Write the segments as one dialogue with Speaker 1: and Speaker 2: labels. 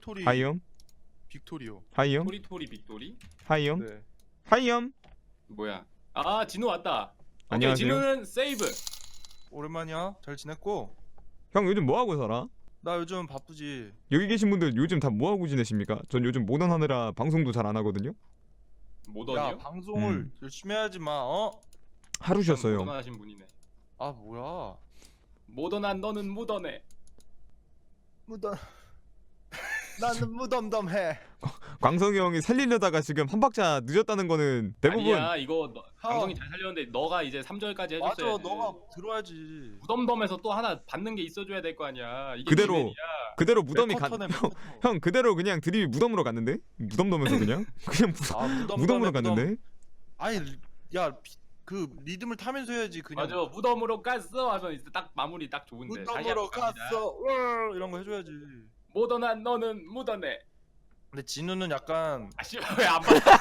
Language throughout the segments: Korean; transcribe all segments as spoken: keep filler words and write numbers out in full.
Speaker 1: 토리토리
Speaker 2: 하이엄?
Speaker 1: 빅토리오.
Speaker 2: 하이엄?
Speaker 3: 토리토리 빅토리?
Speaker 2: 하이엄?
Speaker 1: 네.
Speaker 2: 하이엄?
Speaker 3: 뭐야? 아 진우 왔다. 오케이,
Speaker 2: 안녕하세요.
Speaker 3: 진우는 세이브.
Speaker 1: 오랜만이야. 잘 지냈고?
Speaker 2: 형 요즘 뭐하고 살아?
Speaker 1: 나 요즘 바쁘지.
Speaker 2: 여기 계신 분들 요즘 다 뭐하고 지내십니까? 전 요즘 모던 하느라 방송도 잘 안 하거든요?
Speaker 1: 야
Speaker 3: 모던이요?
Speaker 1: 방송을
Speaker 2: 음.
Speaker 1: 열심히 해야지 마. 어?
Speaker 2: 하루 쉬었어요.
Speaker 3: 모던하신 분이네.
Speaker 1: 아 뭐야?
Speaker 3: 모던한 너는 무던해.
Speaker 1: 무덤. 나는 무덤덤해.
Speaker 2: 광성이 형이 살리려다가 지금 한 박자 늦었다는 거는 대부분
Speaker 3: 아니야 이거 너,
Speaker 1: 하.
Speaker 3: 방송이 잘 살렸는데 너가 이제 삼 절까지
Speaker 1: 맞아,
Speaker 3: 해줬어야지.
Speaker 1: 너가 들어야지.
Speaker 3: 무덤덤에서 또 하나 받는 게 있어줘야 될 거 아니야. 이게
Speaker 2: 그대로
Speaker 3: 기본이야.
Speaker 2: 그대로 무덤이 간
Speaker 1: 맥커터네,
Speaker 2: 형,
Speaker 1: 맥커터.
Speaker 2: 형 그대로 그냥 드립이 무덤으로 갔는데? 무덤덤에서 그냥? 그냥 무,
Speaker 1: 아 무덤
Speaker 2: 무덤으로 갔는데?
Speaker 1: 아니 야 그 리듬을 타면서 해야지 그냥.
Speaker 3: 맞아 무덤으로 갔어 하면 이제 딱 마무리 딱 좋은데. 다시
Speaker 1: 무덤으로
Speaker 3: 한번 갑니다.
Speaker 1: 갔어. 월 이런 거 해줘야지.
Speaker 3: 모던한 너는 무던해.
Speaker 1: 근데 진우는 약간
Speaker 3: 아씨 왜안 받아?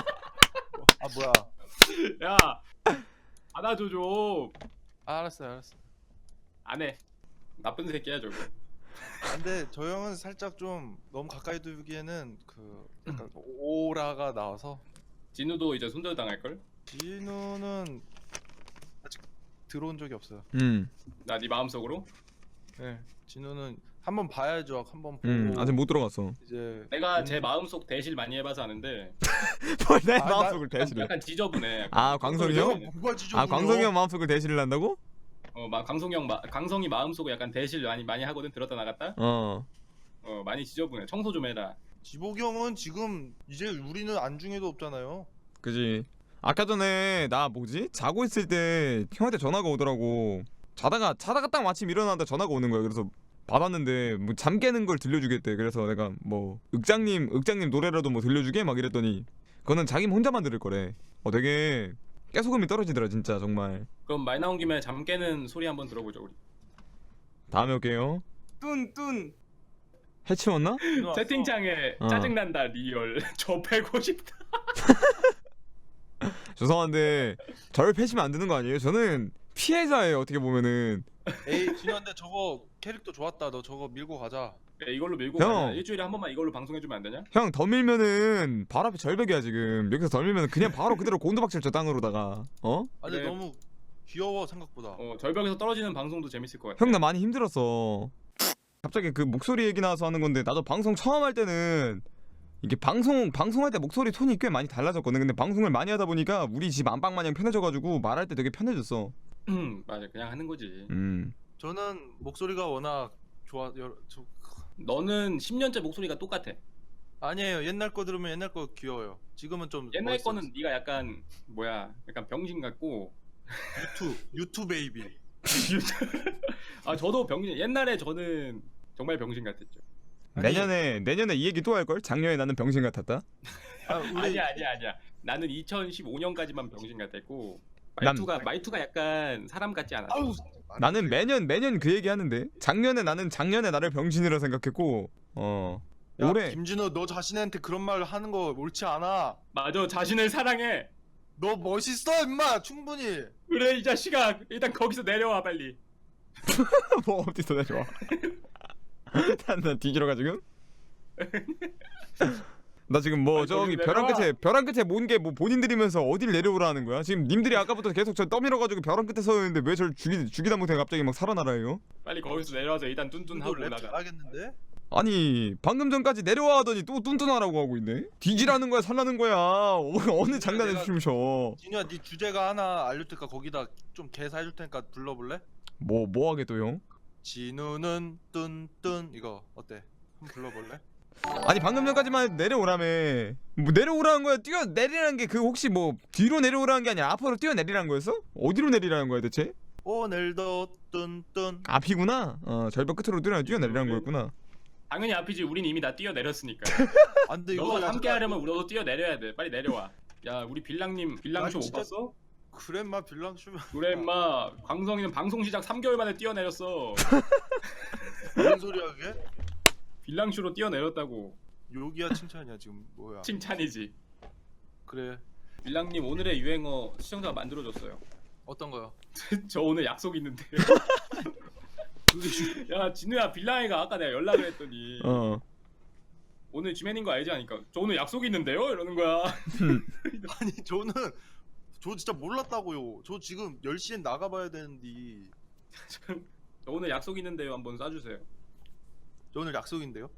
Speaker 1: 아 뭐야?
Speaker 3: 야 받아줘 좀.
Speaker 1: 아, 알았어 알았어.
Speaker 3: 안 해. 나쁜 새끼야 저거.
Speaker 1: 아, 근데 저 형은 살짝 좀 너무 가까이 두기에는 그 약간 오라가 나와서.
Speaker 3: 진우도 이제 손절 당할 걸?
Speaker 1: 진우는 아직 들어온 적이 없어요.
Speaker 2: 음,
Speaker 3: 나 네 마음속으로?
Speaker 1: 네, 진우는 한번 봐야죠. 한번 보고.
Speaker 2: 음 아직 못 들어갔어.
Speaker 1: 이제
Speaker 3: 내가
Speaker 1: 음,
Speaker 3: 제 마음속 대실 많이 해봐서 아는데
Speaker 2: 내
Speaker 1: 아, 나-
Speaker 2: 마음속을 대실해.
Speaker 3: 약간 지저분해. 약간.
Speaker 2: 아, 광성이 형?
Speaker 3: 지저분해.
Speaker 1: 뭐가 지저분해요?
Speaker 2: 아 광성이 형 마음속을 대실을 한다고?
Speaker 3: 어, 막 강성이 형, 마, 강성이 마음속에 약간 대실 많이 많이 하거든. 들었다 나갔다.
Speaker 2: 어.
Speaker 3: 어, 많이 지저분해. 청소 좀 해라.
Speaker 1: 지복이 형은 지금 이제 우리는 안중에도 없잖아요.
Speaker 2: 그지. 아까 전에 나 뭐지? 자고 있을 때 형한테 전화가 오더라고. 자다가 자다가 딱 마침 일어나다 전화가 오는 거야. 그래서 받았는데 뭐 잠 깨는 걸 들려주겠대. 그래서 내가 뭐 윽장님 윽장님 노래라도 뭐 들려주게 막 이랬더니 그거는 자기 혼자만 들을 거래. 어 되게 깨소금이 떨어지더라 진짜 정말.
Speaker 3: 그럼 말 나온 김에 잠 깨는 소리 한번 들어보죠 우리.
Speaker 2: 다음에 올게요.
Speaker 3: 뚠뚠.
Speaker 2: 해치웠나?
Speaker 1: 진우 왔어?
Speaker 3: 채팅창에
Speaker 2: 어.
Speaker 3: 짜증난다 리얼. 저 패고 싶다.
Speaker 2: 죄송한데 저를 패시면 안 되는 거 아니에요? 저는 피해자예요 어떻게 보면은.
Speaker 1: 에이 진우한테 저거 캐릭터 좋았다. 너 저거 밀고 가자.
Speaker 3: 야, 이걸로 밀고
Speaker 2: 형.
Speaker 3: 가자. 일주일에 한 번만 이걸로 방송해주면 안 되냐?
Speaker 2: 형 더 밀면은 바로 앞에 절벽이야 지금. 여기서 더 밀면 그냥 바로 그대로 곤두박질 저 땅으로다가 어?
Speaker 1: 아 근데
Speaker 3: 그래.
Speaker 1: 너무 귀여워 생각보다.
Speaker 3: 어, 절벽에서 떨어지는 방송도 재밌을 것 같아.
Speaker 2: 형 나 많이 힘들었어. 갑자기 그 목소리 얘기 나와서 하는 건데 나도 방송 처음 할 때는 이게 방송 방송할 때 목소리 톤이 꽤 많이 달라졌거든. 근데 방송을 많이 하다 보니까 우리 집 안방 마냥 편해져가지고 말할 때 되게 편해졌어.
Speaker 3: 음, 맞아. 그냥 하는 거지.
Speaker 2: 음.
Speaker 1: 저는 목소리가 워낙 좋아. 여러, 저,
Speaker 3: 너는 십 년째 목소리가 똑같아.
Speaker 1: 아니에요. 옛날 거 들으면 옛날 거 귀여워요. 지금은 좀
Speaker 3: 옛날
Speaker 1: 멋있어졌어.
Speaker 3: 거는 네가 약간 뭐야? 약간 병신 같고.
Speaker 1: 유튜 유튜 베이비.
Speaker 3: 아 저도 병신. 옛날에 저는 정말 병신 같았죠.
Speaker 1: 아니,
Speaker 2: 내년에 내년에 이 얘기 또 할 걸? 작년에 나는 병신 같았다.
Speaker 1: 아, 우리
Speaker 3: 아니야 아니야 아니야. 나는 이천십오 년까지만 병신 같았고
Speaker 2: 난-
Speaker 3: 말투가 말투가 약간 사람 같지 않았어.
Speaker 1: 아유,
Speaker 2: 나는 매년 매년 그 얘기 하는데 작년에 나는 작년에 나를 병신이라 생각했고 어
Speaker 1: 야,
Speaker 2: 올해
Speaker 1: 김진우 너 자신한테 그런 말 하는 거 옳지 않아.
Speaker 3: 맞아 자신을 사랑해.
Speaker 1: 너 멋있어 임마 충분히.
Speaker 3: 그래 이 자식아 일단 거기서 내려와 빨리.
Speaker 2: 뭐 어디서 내려와? 나 뒤지러 가 지금? 나 지금 뭐
Speaker 3: 아니,
Speaker 2: 저기
Speaker 3: 거기
Speaker 2: 벼랑
Speaker 3: 내려와.
Speaker 2: 끝에 벼랑 끝에 모은 게 뭐 본인들이면서 어딜 내려오라는 거야? 지금 님들이 아까부터 계속 저 떠밀어가지고 벼랑 끝에 서 있는데 왜 저를 죽이 죽이다 못해 갑자기 막 살아나라요?
Speaker 3: 빨리 거기서 내려와서 일단 뚠뚠하고
Speaker 1: 랩
Speaker 3: 올라가.
Speaker 1: 잘하겠는데?
Speaker 2: 아니 방금 전까지 내려와 하더니 또 뚠뚠하라고 하고 있네. 뒤지라는 거야 살라는 거야. 어, 어느 장난에
Speaker 1: 내가-
Speaker 2: 춤춰?
Speaker 1: 진우야 네 주제가 하나 알려줄 테니까 거기다 좀 개사 해줄 테니까 불러볼래?
Speaker 2: 뭐 뭐 하게 또 형?
Speaker 1: 진우는 뚠뚠 이거 어때? 한번 불러볼래?
Speaker 2: 아니 방금 전까지만 내려오라며. 뭐 내려오라는 거야? 뛰어 내리라는 게 그 혹시 뭐 뒤로 내려오라는 게 아니라 앞으로 뛰어 내리라는 거였어? 어디로 내리라는 거야 대체?
Speaker 1: 오늘도 뚠뚠.
Speaker 2: 앞이구나. 어 절벽 끝으로 뛰어 뛰어 내리라는 거였구나.
Speaker 3: 당연히 앞이지. 우린 이미 다 뛰어 내렸으니까.
Speaker 1: 아 근데 이거
Speaker 3: 너가
Speaker 1: 약간-
Speaker 3: 함께 하려면 우리도 뛰어 내려야 돼. 빨리 내려와. 야 우리 빌랑님 빌랑쇼
Speaker 1: 아니,
Speaker 3: 못
Speaker 1: 진짜-
Speaker 3: 봤어?
Speaker 1: 그래 인마 빌랑 슈면
Speaker 3: 그래 임마 광성이는 방송 시작 삼 개월 만에 뛰어 내렸어.
Speaker 1: 무슨 소리야 그게?
Speaker 3: 빌랑쇼로 뛰어 내렸다고.
Speaker 1: 욕이야 칭찬이야 지금 뭐야?
Speaker 3: 칭찬이지.
Speaker 1: 그래
Speaker 3: 빌랑님 오늘의 유행어 시청자가 만들어줬어요.
Speaker 1: 어떤 거요?
Speaker 3: 저 오늘 약속 있는데.
Speaker 1: 그게 슈-
Speaker 3: 야 진우야 빌랑이가 아까 내가 연락을 했더니
Speaker 2: 어.
Speaker 3: 오늘 지맨인 거 알지 하니까 저 오늘 약속이 있는데요 이러는 거야.
Speaker 1: 아니 저는 저 진짜 몰랐다고요. 저 지금 열 시엔 나가봐야 되는데
Speaker 3: 저 오늘 약속 있는데요 한번 쏴주세요.
Speaker 1: 저 오늘 약속인데요.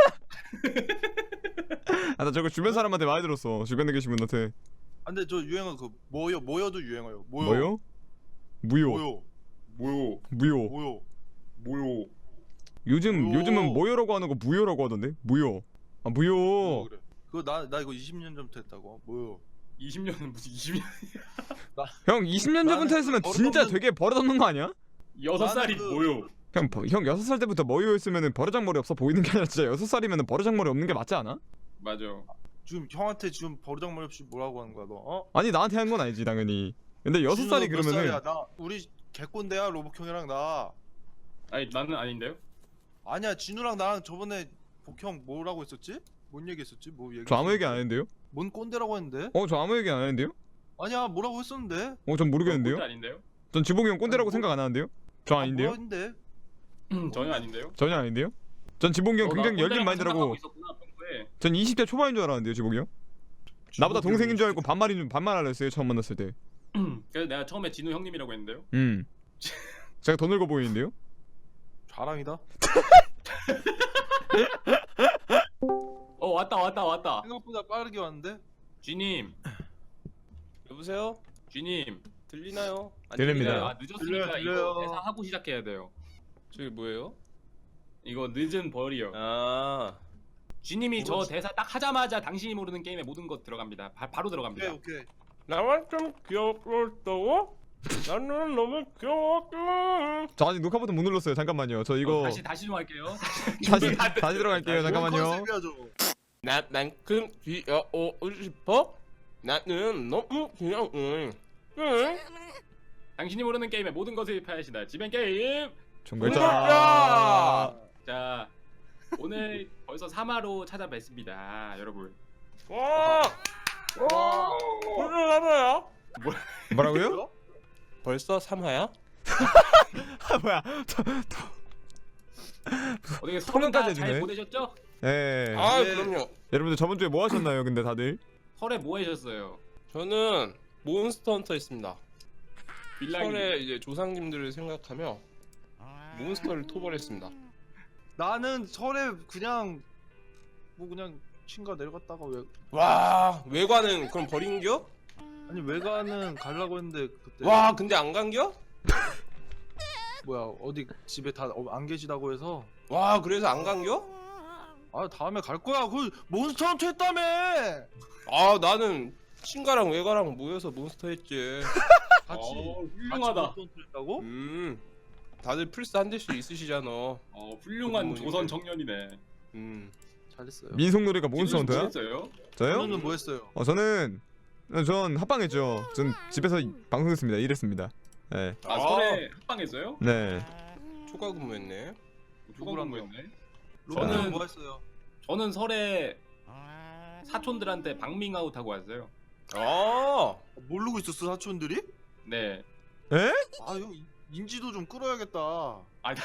Speaker 2: 아 나 저거 주변 사람한테 많이 들었어. 주변에 계신 분한테.
Speaker 1: 아, 근데 저 유행어 그 뭐요 뭐여도 유행어요. 뭐요?
Speaker 2: 뭐요? 무요.
Speaker 1: 뭐요?
Speaker 3: 뭐요
Speaker 2: 무요.
Speaker 1: 뭐요?
Speaker 3: 뭐요.
Speaker 2: 요즘
Speaker 1: 무요.
Speaker 2: 요즘은 뭐요라고 하는 거 무요라고 하던데? 무요. 아 무요.
Speaker 1: 뭐 그래. 그거 나 나 이거 이십 년 전부터 했다고. 뭐요?
Speaker 3: 이십 년은 무슨 이십 년?
Speaker 2: 형 이십 년 전부터
Speaker 1: 나는
Speaker 2: 했으면
Speaker 1: 버릇
Speaker 2: 진짜
Speaker 1: 없는-
Speaker 2: 되게 버릇없는 거 아니야?
Speaker 3: 여섯
Speaker 1: 나는
Speaker 3: 살이
Speaker 1: 그-
Speaker 3: 뭐요?
Speaker 2: 형, 버- 형 여섯 살 때부터 뭐요 했으면은 버르장머리 없어 보이는 게 아니라 진짜 여섯 살이면은 버르장머리 없는 게 맞지 않아?
Speaker 3: 맞아.
Speaker 1: 지금 형한테 지금 버르장머리 없이 뭐라고 하는 거야 너? 어?
Speaker 2: 아니 나한테 한 건 아니지 당연히. 근데 여섯
Speaker 1: 진우
Speaker 2: 살이
Speaker 1: 너 몇
Speaker 2: 그러면은
Speaker 1: 살이야? 나 우리 개꼰대야 로봇 형이랑 나.
Speaker 3: 아니 나는 아닌데요?
Speaker 1: 아니야 진우랑 나랑 저번에 복형 뭐라고 했었지? 뭔 얘기했었지? 뭐 얘기?
Speaker 2: 저 아무 얘기 안 했는데요?
Speaker 1: 뭔 꼰대라고 했는데?
Speaker 2: 어 저 아무 얘기 안 했는데요?
Speaker 1: 아니야 뭐라고 했었는데?
Speaker 2: 어 전 모르겠는데요?
Speaker 3: 꼰대 아닌데요?
Speaker 2: 전 지봉이 형 꼰대라고
Speaker 1: 아니, 뭐-
Speaker 2: 생각 안 하는데요? 저 아닌데요?
Speaker 1: 뭐였는데?
Speaker 3: 전혀 아닌데요?
Speaker 2: 전혀 아닌데요? 전 지봉이 형
Speaker 3: 어, 나
Speaker 2: 굉장히 열린
Speaker 3: 꼰대라고
Speaker 2: 마인드라고.
Speaker 3: 생각하고 있었구나, 평소에.
Speaker 2: 전 이십 대 초반인 줄 알았는데요 지봉이 형? 나보다 동생인 줄 알고 반말인 줄 반말하려 했어요 처음 만났을 때.
Speaker 3: 그래서 내가 처음에 진우 형님이라고 했는데요.
Speaker 2: 음. 제가 더 늙어 보이는데요?
Speaker 1: 자랑이다.
Speaker 3: 어 왔다 왔다 왔다.
Speaker 1: 생각보다 빠르게 왔는데?
Speaker 3: 쥐님,
Speaker 4: 여보세요?
Speaker 3: 쥐님.
Speaker 4: 들리나요? 안
Speaker 2: 들립니다.
Speaker 4: 들리나요?
Speaker 3: 아 늦었으니까
Speaker 1: 들려요, 들려요.
Speaker 3: 이거 대사 하고 시작해야 돼요.
Speaker 4: 저기 뭐예요?
Speaker 3: 이거 늦은 벌이요.
Speaker 4: 아,
Speaker 3: 쥐님이 저
Speaker 1: 뭐지?
Speaker 3: 대사 딱 하자마자 당신이 모르는 게임에 모든 것 들어갑니다. 바, 바로 들어갑니다.
Speaker 1: 오케이 오케이.
Speaker 4: 나만 좀 귀엽다고? 나는 너무 귀여웠어.
Speaker 2: 저 아직 녹화 버튼 못 눌렀어요. 잠깐만요. 저 이거
Speaker 3: 어, 다시 다시 좀 할게요.
Speaker 2: 다시 다시 들어갈게요.
Speaker 1: 뭔
Speaker 2: 잠깐만요.
Speaker 1: 컨셉이야 저거?
Speaker 4: 나만큼 귀여워 싶어? 나는 너무 귀여워. 응?
Speaker 3: 당신이 모르는 게임의 모든 것을 파헤친다. 지벤 게임.
Speaker 2: 정글자.
Speaker 4: 정글자.
Speaker 3: 자, 오늘 벌써 삼 화로 찾아뵙습니다, 여러분.
Speaker 4: 와! 와! 무슨 하나야?
Speaker 2: 뭐라고요?
Speaker 4: 벌써 삼 화야?
Speaker 2: 아 뭐야?
Speaker 3: 어떻게
Speaker 2: 토론까지
Speaker 3: 설은 다잘
Speaker 2: 해주네.
Speaker 3: 보내셨죠?
Speaker 2: 예.
Speaker 4: 아,
Speaker 1: 네.
Speaker 4: 그럼요.
Speaker 2: 여러분들 저번 주에 뭐 하셨나요? 근데 다들
Speaker 3: 설에 뭐 하셨어요?
Speaker 4: 저는 몬스터 헌터 했습니다.
Speaker 3: 빌라인.
Speaker 4: 설의 이제 조상님들을 생각하며 몬스터를 토벌했습니다.
Speaker 1: 나는 설에 그냥 뭐 그냥 친가 내려갔다가 왜
Speaker 4: 와, 외관은 그럼 버린겨?
Speaker 1: 아니 외가는 가려고 했는데 그때
Speaker 4: 와, 근데 안 간겨?
Speaker 1: 뭐야 어디 집에 다 안 계시다고 해서
Speaker 4: 와, 그래서 안 간겨?
Speaker 1: 아 다음에 갈 거야. 그 몬스터 헌트 했다며.
Speaker 4: 아, 나는 친가랑 외가랑 모여서 몬스터 했지.
Speaker 1: 같이
Speaker 3: 어,
Speaker 1: 같이
Speaker 3: 훌륭하다.
Speaker 1: 몬스터 헌트 했다고?
Speaker 4: 음, 다들 플스 한 대씩 있으시잖아.
Speaker 3: 어, 훌륭한
Speaker 4: 그분이
Speaker 3: 조선
Speaker 4: 이제-
Speaker 3: 청년이네.
Speaker 4: 음,
Speaker 1: 잘했어요.
Speaker 2: 민속놀이가 몬스터 헌터야?
Speaker 3: 했어요?
Speaker 2: 저요?
Speaker 1: 저는 뭐 했어요?
Speaker 2: 어 저는 전 합방했죠. 전 집에서 방송했습니다. 일했습니다. 네.
Speaker 3: 아,
Speaker 4: 아.
Speaker 3: 설에 합방했어요?
Speaker 2: 네.
Speaker 4: 초과 근무했네.
Speaker 3: 누구랑
Speaker 1: 누구랑요?
Speaker 3: 뭐였네?
Speaker 1: 로봇은
Speaker 3: 저는-
Speaker 1: 뭐 했어요?
Speaker 3: 저는 설에 사촌들한테 방밍아웃 하고 왔어요.
Speaker 4: 아,
Speaker 1: 모르고 있었어 사촌들이?
Speaker 3: 네.
Speaker 2: 에?
Speaker 1: 아 형 인지도 좀 끌어야겠다.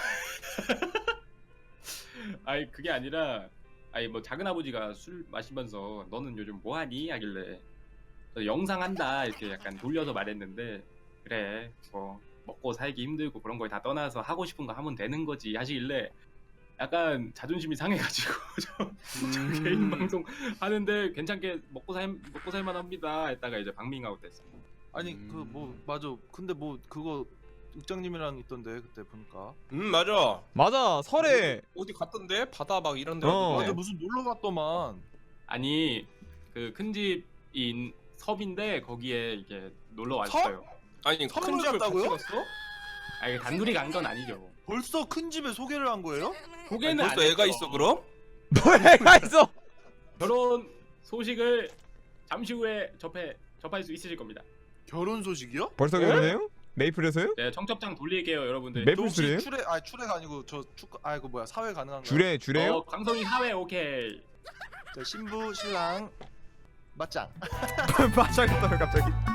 Speaker 3: 아니 그게 아니라 아니 뭐 작은 아버지가 술 마시면서 너는 요즘 뭐하니 하길래 저 영상 한다 이렇게 약간 돌려서 말했는데 그래 뭐 먹고 살기 힘들고 그런 걸 다 떠나서 하고 싶은 거 하면 되는 거지 하시길래 약간 자존심이 상해가지고 저
Speaker 4: 음.
Speaker 3: 개인 방송 하는데 괜찮게 먹고 살 먹고 살만합니다 했다가 이제 방밍아웃 됐어.
Speaker 1: 아니
Speaker 4: 음.
Speaker 1: 그 뭐 맞아. 근데 뭐 그거 윽장님이랑 있던데 그때 보니까.
Speaker 4: 음, 맞아.
Speaker 2: 맞아. 설에
Speaker 4: 어디 갔던데? 바다 막 이런 데
Speaker 2: 어.
Speaker 4: 갔던데.
Speaker 1: 맞아 무슨 놀러 갔더만.
Speaker 3: 아니 그 큰 집인 섭인데 거기에 이게 놀러 왔어요.
Speaker 4: 아니, 큰
Speaker 1: 선물
Speaker 4: 집을
Speaker 1: 갔다고요?
Speaker 4: 같이 갔어?
Speaker 3: 아니 단둘이 간 건 아니죠.
Speaker 1: 벌써 큰 집에 소개를 한 거예요?
Speaker 4: 아니,
Speaker 3: 소개는
Speaker 4: 벌써
Speaker 3: 안
Speaker 4: 애가
Speaker 3: 했죠.
Speaker 4: 있어 그럼?
Speaker 2: 뭐 애가 있어?
Speaker 3: 결혼 소식을 잠시 후에 접해 접할 수 있으실 겁니다.
Speaker 1: 결혼 소식이요?
Speaker 2: 벌써 결혼해요? 메이플에서요?
Speaker 3: 네, 청첩장 돌릴게요, 여러분들.
Speaker 2: 맵-
Speaker 1: 저 혹시
Speaker 2: 메이플이에요?
Speaker 1: 출애 아니 출애가 아니고 저 축 아이고 뭐야 사회 가능한가요?
Speaker 2: 주례 주례요?
Speaker 3: 어, 강성이 사회 오케이.
Speaker 1: 자, 신부 신랑 맞짱.
Speaker 2: 맞아겠다 갑자기.